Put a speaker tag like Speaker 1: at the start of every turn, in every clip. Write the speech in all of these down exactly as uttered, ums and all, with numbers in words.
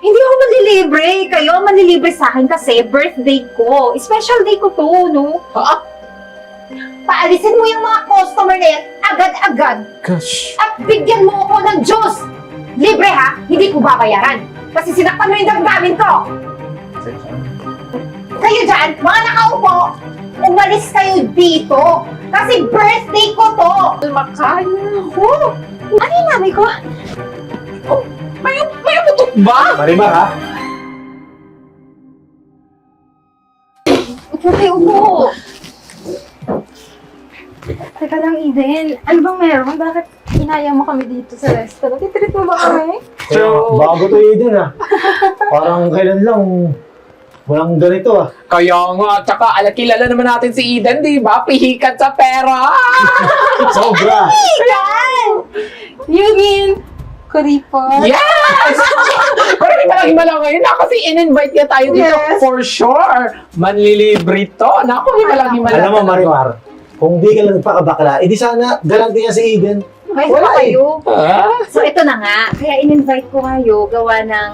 Speaker 1: Hindi ako manlilibre. Kayo ang manlilibre sa akin kasi birthday ko. Special day ko to, no?
Speaker 2: Ah,
Speaker 1: Paalisin mo yung mga customer na yan agad-agad
Speaker 2: gosh.
Speaker 1: at bigyan mo ako ng juice. Libre ha, hindi ko babayaran. Kasi sinaktan mo yung damdamin ko. Kayo dyan, mga nakaupo, umalis kayo dito. Kasi birthday ko to.
Speaker 2: Makaya.
Speaker 1: Oh, ano yung nanay ko?
Speaker 2: May, may umutot ba?
Speaker 3: Marimar, ha?
Speaker 1: Upo kayo, upo. Teka lang, Eden. Ano bang meron? Bakit inaya mo kami dito sa restaurant? Titreat mo ba kami?
Speaker 3: So, bago to Eden, ha? Parang kailan lang, walang ganito, ah.
Speaker 2: Kaya nga, tsaka ala, kilala naman natin si Eden, di ba? Pihikat sa pera.
Speaker 3: Sobra!
Speaker 1: Eden! You mean, kuripot?
Speaker 2: Yes! Pero hindi talagang himala ngayon na kasi in-invite niya tayo dito
Speaker 1: Yes.
Speaker 2: for sure. Manlilibre to. Naku, himala himala.
Speaker 3: Alam mo, Marimar, kung di ka lang nagpakabakla, edi sana garanti niya si Eden.
Speaker 1: Okay,
Speaker 3: Wala
Speaker 1: so kayo.
Speaker 2: Ah?
Speaker 1: So, ito na nga. Kaya in-invite ko kayo gawa ng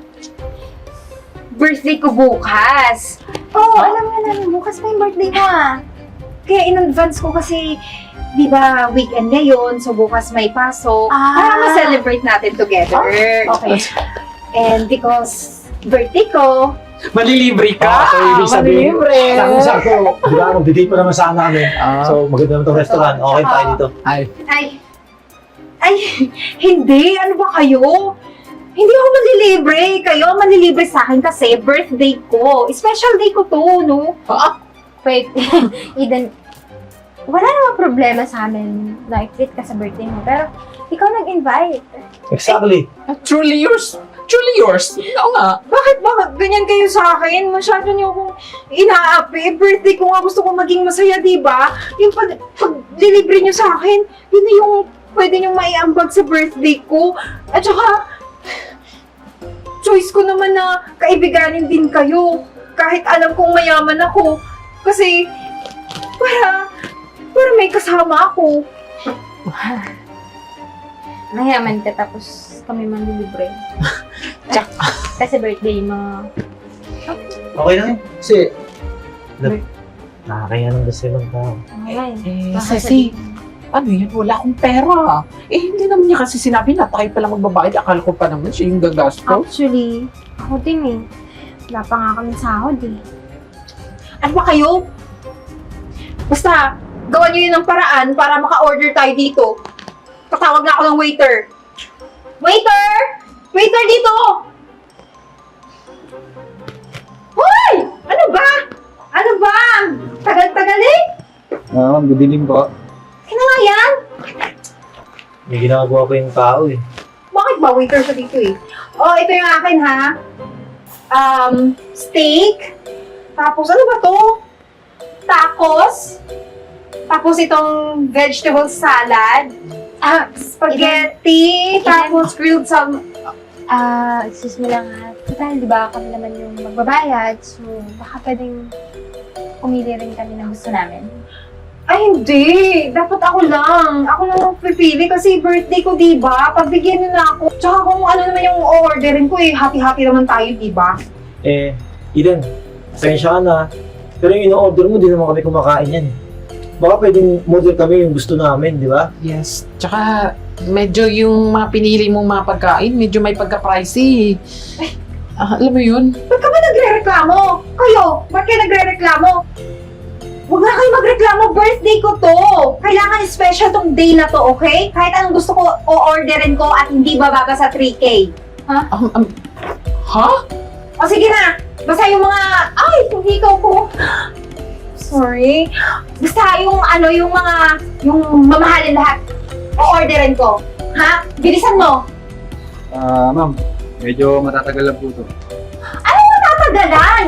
Speaker 1: birthday ko bukas. Oo, oh, alam nga namin, bukas pa yung birthday ko ah. Kaya in-advance ko kasi, di ba, weekend ngayon, so bukas may pasok.
Speaker 4: Ah.
Speaker 1: Para ma-celebrate natin together.
Speaker 4: Okay.
Speaker 1: And because birthday ko,
Speaker 2: Manlilibre ka.
Speaker 3: Ah, so ibig sabihin,
Speaker 2: Manlilibre.
Speaker 3: sakto-sakto, di ba, mag-date pa naman sana kami.
Speaker 2: Ah.
Speaker 3: So, maganda naman itong restaurant. Okay tayo dito.
Speaker 2: Ay.
Speaker 1: ay, ay, hindi, ano ba kayo? Hindi ako manlilibre. Kayo ang manlilibre sa akin kasi birthday ko. Special day ko to, no?
Speaker 2: Ah,
Speaker 4: Wait, Eden, wala namang problema sa amin na i-treat ka sa birthday mo, pero ikaw nag-invite.
Speaker 3: Exactly.
Speaker 2: truly yours. Truly yours. Oo nga.
Speaker 1: Bakit, bakit ganyan kayo sa akin? Masyado niyo akong inaapi. Birthday ko nga gusto ko maging masaya, di ba? Yung pag, pag delivery niyo sa akin, yun na yung pwede niyong maiambag sa birthday ko. At saka, choice ko naman na kaibiganin din kayo. Kahit alam kong mayaman ako. Kasi, para, para may kasama ako.
Speaker 4: Mayaman ka tapos kami manlilibre.
Speaker 2: Tsak.
Speaker 4: Kasi birthday mo.
Speaker 3: Okay lang yun. Kasi, nag- nakakaya ng gusto ng tao.
Speaker 4: Okay.
Speaker 2: Eh,
Speaker 4: Baka
Speaker 2: Ceci, ano yun? Wala akong pera. Eh, hindi naman niya kasi sinabi na tayo pala magbabayad. Akala ko pa naman siya yung gagastos.
Speaker 4: Actually, ako din eh. Wala pa nga kami sahod eh.
Speaker 1: Ano ba kayo? Basta, gawan niyo yun ng paraan para maka-order tayo dito. Tatawag na ako ng waiter. Waiter! Waiter dito! Hoy! Ano ba? Ano ba? Tagal-tagal eh?
Speaker 3: Ah, ma'am, good evening po.
Speaker 1: Kaya nga yan?
Speaker 3: May ginagawa pa yung tao eh.
Speaker 1: Bakit ba waiter siya dito eh? Oh, ito yung akin ha. Um, steak. Tapos ano ba to? Tacos. Tapos itong vegetable salad. Ah, spaghetti. Tapos grilled salmon.
Speaker 4: Ah, excuse me lang ha. Total, di ba kami naman yung magbabayad, so baka pwedeng pumili rin kami ng gusto namin.
Speaker 1: Ay, hindi. Dapat ako lang. Ako lang ang pipili kasi birthday ko, di ba? Pagbigyan niyo na ako. Tsaka kung ano naman yung orderin ko eh, happy-happy naman tayo, di ba?
Speaker 3: Eh, Eden, pasensya ka na. Pero yung ino-order mo, di naman kami kumakain yan. Baka pwedeng model kami yung gusto namin, di ba?
Speaker 2: Yes. Tsaka, medyo yung mga pinili mong mga pagkain, medyo may pagka-pricey. Ah, alam mo yun?
Speaker 1: Ba't ka ba nagre-reklamo? Kayo, ba't kayo nagre-reklamo? Huwag na kayo magreklamo, birthday ko to! Kailangan special tong day na to, okay? Kahit anong gusto ko, o-orderin ko at hindi bababa sa three K.
Speaker 2: Um, um, ha?
Speaker 1: O sige na, basta yung mga, ay, yung hikaw ko. Sorry. Basta yung ano, yung mga, yung mamahalin lahat, o-orderin ko. Ha? Bilisan mo.
Speaker 5: Ah, ma'am, medyo matatagal lang po ito.
Speaker 1: Ano yung tatagalan?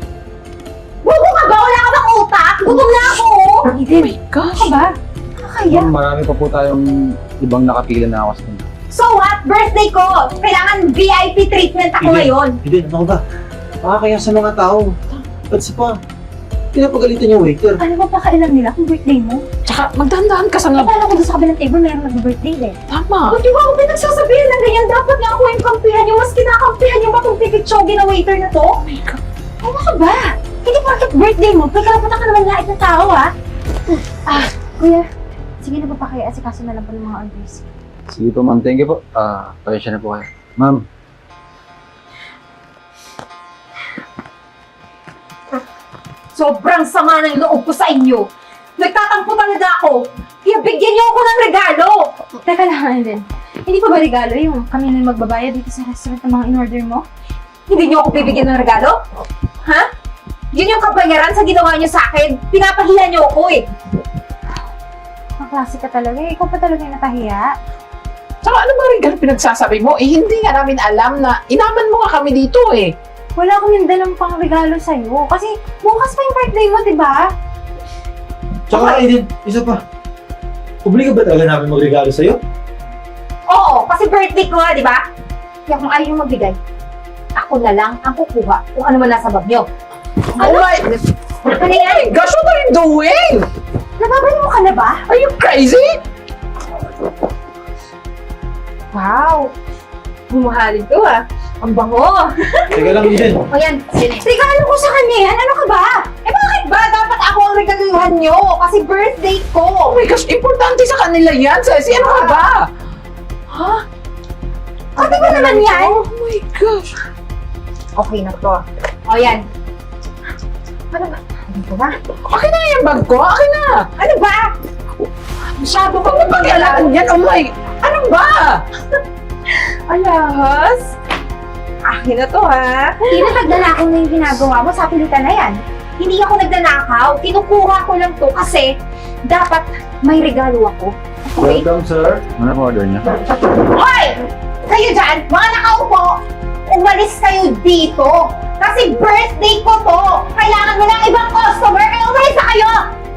Speaker 1: Bubo ka ba? Wala ka bang utak? Gutom na ako.
Speaker 2: Oh my gosh.
Speaker 1: Ano ba? Kakaya.
Speaker 5: Ma'am, marami pa po tayong ibang nakapila na customer.
Speaker 1: So what? Birthday ko! Kailangan V I P treatment ako
Speaker 3: Eden.
Speaker 1: ngayon.
Speaker 3: Eden, ano ba? Makakaya sa mga tao. Ba't sa pa? Pinapagalitan yung waiter.
Speaker 4: Ano ba pakailan nila kung birthday mo?
Speaker 2: Tsaka, magdahan-dahan ka sa nga.
Speaker 4: Akala ko doon sa kabilang table mayroong nag-birthday din.
Speaker 2: Tama.
Speaker 1: Ba't di ba ako pinagsasabihan na ganyan? Dapat nga ako yung kampihan yung mas kinakampihan yung batong pitsogi na waiter na to?
Speaker 2: Oh my God.
Speaker 1: Ano ka ba? Hindi porket birthday mo, may karaputan ka naman lait na tao, ha?
Speaker 4: Ah, kuya. Sige na po pa kayo. Asikaso na lang po ng mga orders.
Speaker 5: Sige po, ma'am. Thank you po. Ah, pasensya na po kayo. Ma'am,
Speaker 1: Sobrang sama ng loob ko sa inyo. Nagtatampo talaga ako. Kaya bigyan niyo ako ng regalo.
Speaker 4: Teka lang, Alden. Hindi pa ba regalo yung kami na magbabayad dito sa restaurant ng mga in-order mo?
Speaker 1: Hindi niyo ako bibigyan ng regalo? Ha? Yun yung kabayaran sa ginawa niyo sa akin. Pinapahiya niyo ako eh.
Speaker 4: Ang klase ka talaga. eh. Ikaw pa talaga yung natahiya.
Speaker 2: Tsaka ano ba rin ganun pinagsasabi mo? Eh, hindi nga namin alam na inaman mo nga kami dito eh.
Speaker 4: Wala akong yung dalang pang regalo sa'yo. Kasi bukas pa yung birthday mo, di ba?
Speaker 3: Tsaka Aiden, isa pa. Obligo ba talaga namin magregalo sa'yo?
Speaker 1: Oo, kasi birthday ko nga, di ba? Kaya kung ayaw yung magbigay, ako na lang ang kukuha kung ano man nasa bag niyo.
Speaker 2: Oh my...
Speaker 1: Ano yan?
Speaker 2: Gosh, what are you doing?
Speaker 1: Nababaliw ka na ba?
Speaker 2: Are you crazy?
Speaker 1: Wow! Bumuhalin to ah. Ang bango!
Speaker 3: Teka lang, Aiden.
Speaker 1: O yan, regalo ko sa kanya yan. Ano ka ba? Eh bakit ba? Dapat ako ang regaluhan nyo. Kasi birthday ko.
Speaker 2: Oh my gosh, importante sa kanila yan, Ceci. Ano ka ba?
Speaker 1: Ha? Sabi mo naman yan.
Speaker 2: Oh my gosh.
Speaker 1: Okay na to. O yan. Ano ba? Ano ba ba?
Speaker 2: Akin na yung bag ko. Akin na.
Speaker 1: Ano ba?
Speaker 2: Masyado kang mapag-alaan yan. Oh my... Ano ba?
Speaker 1: Alahas? Akin na to ha.
Speaker 4: Hindi na nagnanakaw na yung ginagawa mo sa pilitan na yan.
Speaker 1: Hindi ako nagnanakaw. Kinukuha ko lang to kasi dapat may regalo ako. Okay?
Speaker 5: welcome, sir. Ano po order niya?
Speaker 1: Hoy! Kayo dyan, mga nakaupo, umalis kayo dito. Kasi birthday ko to. Kailangan mo ng ibang customer. Kaya umalis na kayo!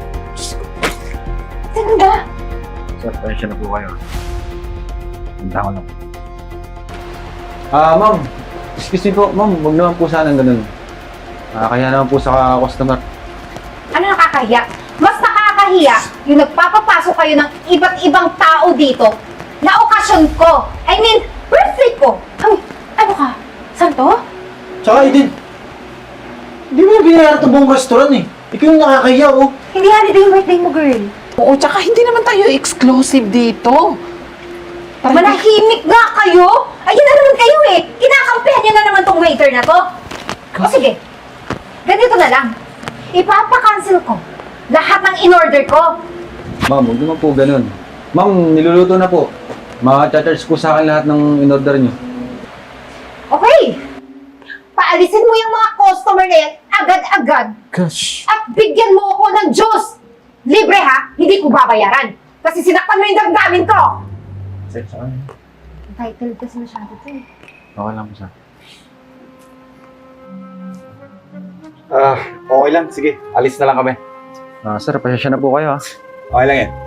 Speaker 1: Sino ba?
Speaker 5: Sir, pasensya na po kayo. Punta ko lang. Ah, ma'am. Excuse me po, ma'am. Huwag naman po sana ganun. Ah, kaya naman po sa customer.
Speaker 1: Ano nakakahiya? Mas nakakahiya yung nagpapapasok kayo ng iba't ibang tao dito na okasyon ko. I mean, birthday ko.
Speaker 4: Ay, ano ka? Saan to?
Speaker 3: Tsaka Aiden, hindi mo binayaran ito buong restaurant eh. Ikaw yung nakakahiya, oh.
Speaker 4: Hindi holiday yung birthday mo, girl.
Speaker 2: Oo, tsaka hindi naman tayo exclusive dito.
Speaker 1: Manahimik nga kayo! Ayun na naman kayo eh! Kinakampihan niyo na naman tong waiter na to. O sige, ganito na lang. Ipapa-cancel ko lahat ng in-order ko.
Speaker 5: Ma'am, huwag naman po ganun. Ma'am, niluluto na po. Ma-charge po sa akin lahat ng in-order niyo.
Speaker 1: Okay! Paalisin mo yung mga customer na yan agad-agad
Speaker 2: Gosh.
Speaker 1: at bigyan mo ako ng juice. Libre ha, hindi ko babayaran. Kasi sinaktan mo yung damdamin ko.
Speaker 4: Title kasi masyado to eh.
Speaker 5: Okay lang po, sir.
Speaker 6: Ah, okay lang. Sige, alis na lang kami.
Speaker 5: Ah, sir, pasensya na po kayo, ha?
Speaker 6: Okay lang yan.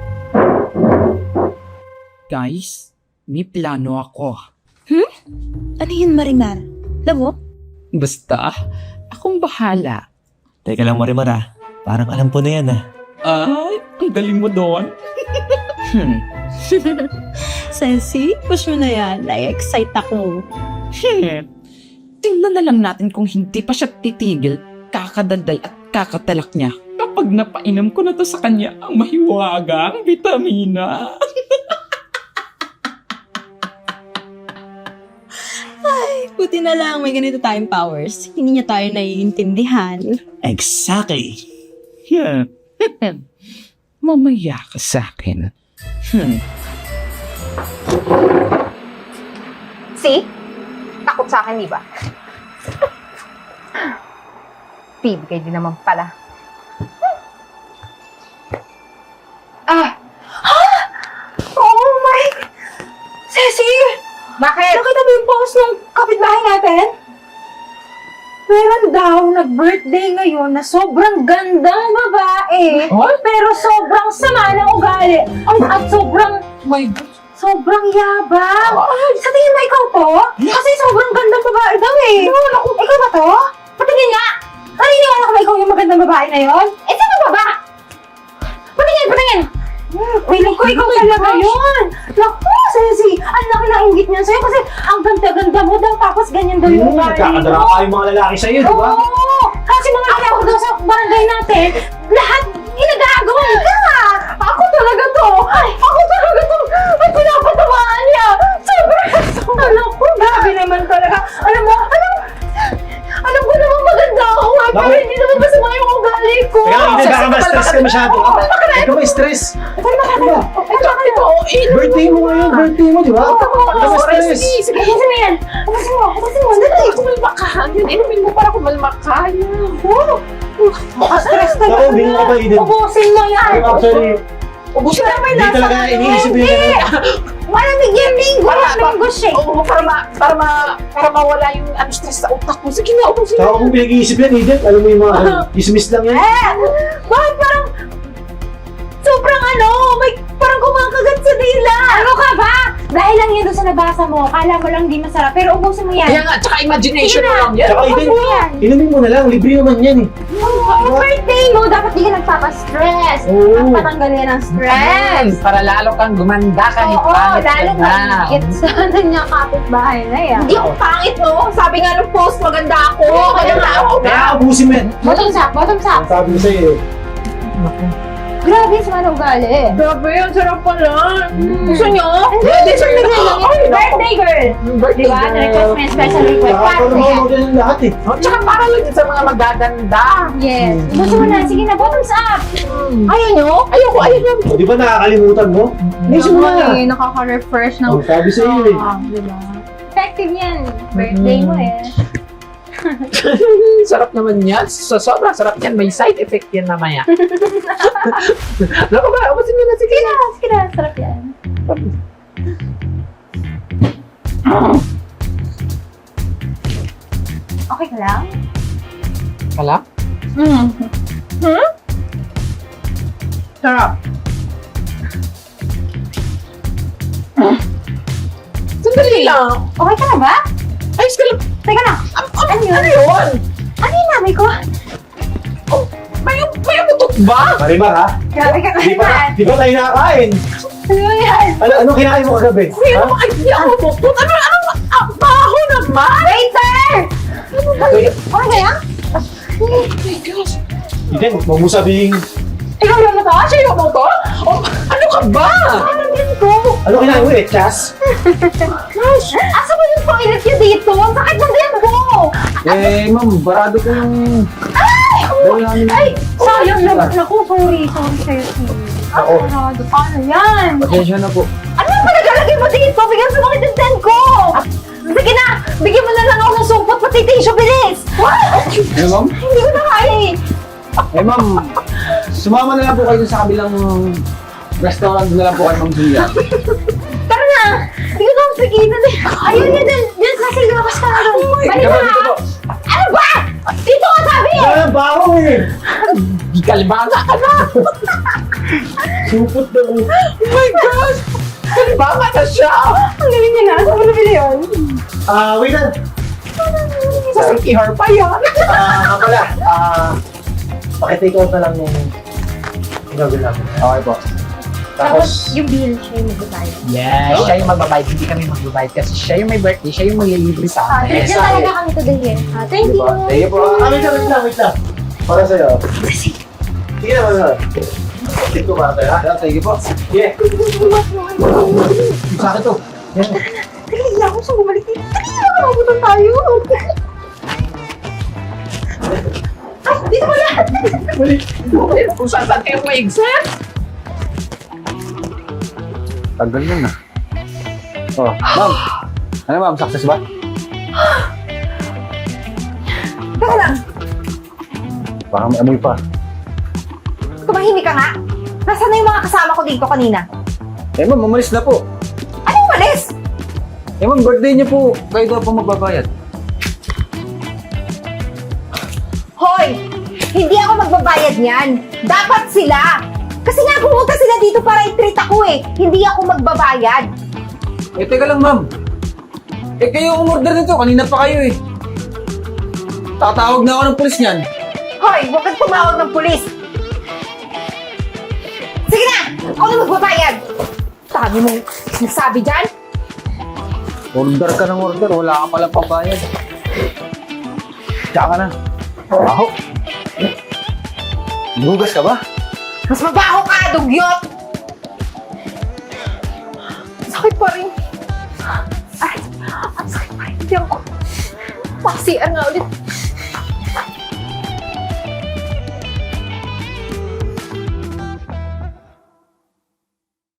Speaker 7: Guys, may plano ako.
Speaker 8: Ano yun, Marimar? Labo?
Speaker 7: Basta, akong bahala.
Speaker 9: Teka lang, Marimar ah. Parang alam ko na yan ah.
Speaker 7: Ay, ang galing mo doon. hmm.
Speaker 8: Sensi, push mo na yan. Na-excite ako.
Speaker 7: Hmm. Tingnan na lang natin kung hindi pa siya titigil, kakadaldal at kakatalak niya. Kapag napainom ko na to sa kanya ang mahiwagang vitamina.
Speaker 8: Buti na lang may ganito tayong powers. Hindi niya tayo naiintindihan.
Speaker 9: Exactly.
Speaker 7: Yeah. Mamaya ka sa akin. Hmm.
Speaker 1: See? Takot sa akin, di ba? Bibigay din naman pala. Ah! Ha? Oh my... Ceci! Bakit?
Speaker 4: Nakita mo yung post ng kapitbahay natin? Meron daw nag-birthday ngayon na sobrang gandang babae.
Speaker 2: What?
Speaker 4: Pero sobrang sama ng ugali. At sobrang,
Speaker 2: My gosh.
Speaker 4: sobrang yabang. Sa tingin mo ikaw to? Kasi sobrang gandang babae daw eh. Ikaw ba to? Patingin nga! Naniniwala ka ba ikaw yung magandang babae na yon?
Speaker 1: Eh, sino ba ba? Patingin, patingin!
Speaker 4: Feeling ko ikaw talaga yun. Naku, Ceci, ang laki ng inggit niyan sa'yo kasi ang ganda-ganda mo daw tapos Tapos ganyan daw yung
Speaker 3: Hmm,
Speaker 4: ugali
Speaker 3: nagkakadara
Speaker 4: mo.
Speaker 3: pa yung mga lalaki sa'yo, di ba?
Speaker 4: Oo! Kasi mga alam ko daw sa barangay natin, lahat ginagagawa ka! Ako talaga to! Ako talaga to! At pinapatamaan niya! Sobrang alam ko, grabe naman talaga. Alam mo, alam alam ko naman maganda ako eh, pero
Speaker 3: Naku.
Speaker 4: hindi naman masama yung ugali ko.
Speaker 3: Kaya hindi, baka ma-stress ka masyado.
Speaker 4: Oo, bakit?
Speaker 3: Huwag ka ma-stress.
Speaker 4: Ano ba? Ano ba?
Speaker 2: Ito, eh.
Speaker 3: Birthday mo ngayon, birthday mo, di ba?
Speaker 4: Oo,
Speaker 3: Huwag ka
Speaker 4: oo,
Speaker 3: ma-stress.
Speaker 2: Sige, sige.
Speaker 4: Ubusin mo yan! Ubusin mo! Ubusin mo!
Speaker 2: Dali, kumalma ka. Yun, inumin mo para kumalma ka. Yan.
Speaker 4: Oo! Stress ka
Speaker 3: Naku, bingo ka pa, Eden.
Speaker 4: Ubusin mo yan!
Speaker 3: Actually,
Speaker 2: Ubusin na.
Speaker 3: hindi talaga iniisip mo yung ganun.
Speaker 4: Malamig yung linggo!
Speaker 2: Para-
Speaker 4: Mango shake!
Speaker 2: Oo, para ma, para ma, para mawala yung ano, stress sa utak mo. Sige na, ubusin
Speaker 3: Saka
Speaker 2: na.
Speaker 3: kung pinag-iisip yan, Eden, alam mo yung mga ano, dismiss lang yan.
Speaker 4: Eh! Bakit parang... Sobrang ano, may parang kumakagat sa dila! Ano ka ba? Dahil lang yan doon sa nabasa mo, kala mo lang di masarap, pero ubusin mo yan.
Speaker 2: Kaya nga, tsaka imagination
Speaker 4: Sige
Speaker 2: mo
Speaker 4: na.
Speaker 2: lang yan.
Speaker 3: Saka Eden,
Speaker 4: Ubusin mo yan.
Speaker 3: inumin mo na lang, libre naman yan eh.
Speaker 4: Oo, birthday mo, dapat di ka nagpapastress.
Speaker 3: Oo.
Speaker 4: Magpatanggal yan ng stress.
Speaker 2: Yes, para lalo kang gumanda kahit
Speaker 4: Oo,
Speaker 2: pangit ka
Speaker 4: lalo
Speaker 2: na.
Speaker 4: mahigit sa kanya kapitbahay na yan.
Speaker 1: Hindi ako pangit, no? Sabi nga ng post, maganda ako. Kaya nga ako.
Speaker 3: Kaya abusin mo yan.
Speaker 4: Bottoms up, bottoms up.
Speaker 3: Ang sabi ko sa'yo eh.
Speaker 4: Grabe sa mga ugali.
Speaker 1: Grabe yun, sarap pala.
Speaker 4: Mm.
Speaker 1: Gusto nyo?
Speaker 4: Hindi, birthday girl.
Speaker 2: Ay,
Speaker 4: Birthday girl.
Speaker 2: Birthday
Speaker 4: Di ba?
Speaker 2: girl.
Speaker 4: Na-request mo yung special request.
Speaker 3: Saka
Speaker 4: Para
Speaker 3: pa
Speaker 4: sa'yo.
Speaker 3: naman din lahat eh.
Speaker 2: Oh, tsaka para lang yun sa mga magaganda.
Speaker 4: Yes. Gusto mo na. Sige na, bottoms up.
Speaker 1: Ayaw nyo?
Speaker 2: Ayoko, ayoko.
Speaker 3: O, di ba nakakalimutan mo? Inisip mo na.
Speaker 1: eh, nakaka-refresh ng...
Speaker 3: Oh, sabi sa'yo eh.
Speaker 1: Ah, diba?
Speaker 4: Effective yan. Birthday mo eh.
Speaker 2: Sarap naman yan. So, sobrang sarap yan. May side effect yan mamaya. Ano ba? Ubusin mo na. Sige na.
Speaker 4: Sige na, sarap yan. Okay ka lang?
Speaker 2: Kala?
Speaker 1: Mm. Hmm? Sarap.
Speaker 2: Sandali lang.
Speaker 4: Okay ka na ba?
Speaker 2: Ayos ka lang.
Speaker 4: Teka lang.
Speaker 2: Ano yun? Ano yun?
Speaker 4: Ano yung namin ko?
Speaker 2: May, may umutot ba?
Speaker 3: Marimar ha?
Speaker 4: Grabe ka
Speaker 3: Di ba,
Speaker 4: naman.
Speaker 3: di ba tayo nakakain?
Speaker 4: Ano yan?
Speaker 3: Ano, ano kinain mo kagabi?
Speaker 2: May
Speaker 3: Ha?
Speaker 2: ano, ay, di ako umutot. Ano, ano, ang baho naman.
Speaker 4: Waiter! Okay ka yan?
Speaker 2: Oh my gosh.
Speaker 3: Eden, huwag mo sabihin,
Speaker 2: Ikaw yung mo to? Siya yung mo to? Oh, ano ka ba?
Speaker 4: Ano din ko?
Speaker 3: ano kinain mo eh, Chas?
Speaker 4: Asa mo yung toilet niya dito? Ang sakit ng din ko!
Speaker 5: Eh, ma'am, barado ko yung...
Speaker 4: Ay!
Speaker 5: Dahil namin...
Speaker 4: Ay! Sayang naman ako. Sorry. Sorry sa'yo, Steve.
Speaker 3: Ako.
Speaker 4: Ano? Paano yan?
Speaker 5: Pasensya na po.
Speaker 4: Ano yung panagalagay mo dito? Bigyan sa mga tinten ko! Sige na! Bigyan mo na lang ako ng supot pati tissue, bilis!
Speaker 5: Eh, ma'am?
Speaker 4: Hindi ko na kaya eh!
Speaker 5: Eh, ma'am, sumama na lang po kayo sa kabilang restaurant na lang po kayo, Ma'am Julia.
Speaker 4: Tara na! Hindi ko na pigilan eh! Ayun yan! Dyan! Dyan kasi lumakas ka na doon! Balik
Speaker 5: Diba,
Speaker 4: na!
Speaker 5: dito po.
Speaker 4: Ano ba? Dito ka sabi eh!
Speaker 3: Wala baho eh!
Speaker 2: Di kalibana ka na.
Speaker 3: Supot na mo.
Speaker 2: Oh my gosh. Kalibana na siya.
Speaker 4: Ang galing niya na! Saan mo nabili yun?
Speaker 3: Ah, wait lang.
Speaker 2: Sa Ricky Har pa yan.
Speaker 3: Ah, nga pala. Ah, pakitake out na lang yung gagawin namin.
Speaker 5: Okay po.
Speaker 3: Tapos,
Speaker 4: yung bill siya yung magbabayad.
Speaker 2: Yes, siya yung magbabayad. Hindi kami magbabayad kasi siya yung may birthday. Siya yung maglilibre sa
Speaker 4: Ah,
Speaker 2: amin.
Speaker 4: treat na talaga kami today eh. Ah, thank you!
Speaker 5: Thank you po.
Speaker 3: ah, wait lang, wait lang, wait lang. Para sa'yo. Sige naman na. Take ko para sa'yo, ha?
Speaker 5: Yeah, thank you po.
Speaker 3: Yeah. Sa akin to. Yan.
Speaker 4: Teka, hindi ako sa bumalik dito. Teka, nakabutan tayo. Ay, dito mo na!
Speaker 2: Kung saan saan kayo may exam.
Speaker 5: Tagal nun ah. Oh, ma'am. Ano ma'am, success ba?
Speaker 4: Teka lang,
Speaker 5: Baka may amoy pa.
Speaker 4: tumahimik ka nga. Nasaan na yung mga kasama ko dito kanina?
Speaker 5: Eh ma'am, umalis na po.
Speaker 4: Anong malis?
Speaker 5: Eh ma'am, birthday niyo po. Kayo daw po magbabayad.
Speaker 4: Hoy! Hindi ako magbabayad niyan. Dapat sila. Kasi nga pumunta sila dito para i-treat ako eh. Hindi ako magbabayad.
Speaker 5: Eh, teka lang ma'am. Eh, kayo umorder nito. Kanina pa kayo eh. Tatawag na ako ng pulis niyan.
Speaker 4: Hoy! Huwag kang tumawag ng pulis. Sige na! Ako na magbabayad. Sabi mong nasabi dyan?
Speaker 5: Order ka ng order, wala ka pala pabayad. Tsaka ka na. Ako. Bugas ka ba?
Speaker 1: Mas mabaho ka, dugyot! Sakit pa rin. Ay, ang sakit pa rin. Tiyan ko. Paksiyan nga ulit.